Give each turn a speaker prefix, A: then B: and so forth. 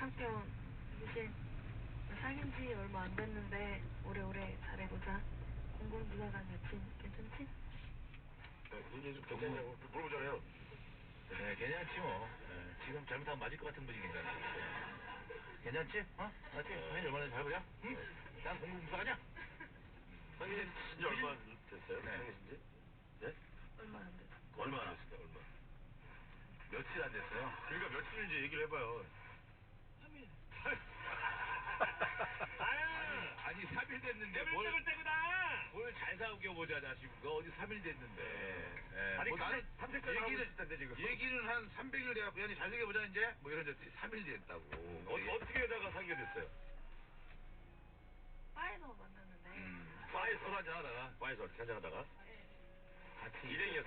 A: 한편 유진 사귄 지 얼마 안 됐는데 오래오래 잘해보자. 공공부사관 여친 괜찮지?
B: 이제 좀 괜찮냐고 물어보잖아요.
C: 네, 괜찮지 뭐. 네, 지금 잘못하면 맞을 것 같은 분위기잖아. 괜찮지? 어? 맞지? 당연히 얼마나 잘 보자? 응? 난 공공부사관이야.
B: 사귄 지 얼마 됐어요?
C: 네.
B: 사귄 지? 네?
A: 얼마 안 됐어.
B: 얼마 안 됐어요? 얼마?
C: 며칠 안 됐어요.
B: 그러니까 며칠인지 얘기를 해봐요.
C: 3일.
B: 아니
C: 3일 됐는데 뭘 잘 사귀어보자 자식아. 어디 3일 됐는데. 예,
B: 아니,
C: 뭐 나는
B: 탐색까지 하고 있을 텐데, 지금.
C: 얘기는 한 300일 돼갖고 야니 잘 사귀어보자 이제 뭐 이런데 3일 됐다고.
B: 어떻게 하다가 사귀게 됐어요?
A: 바에서 만났는데
C: 바에서 술 한잔 하다가
B: 바에서 어떻게 한잔하다가?
A: 네.
C: 같이
B: 일행이었어요?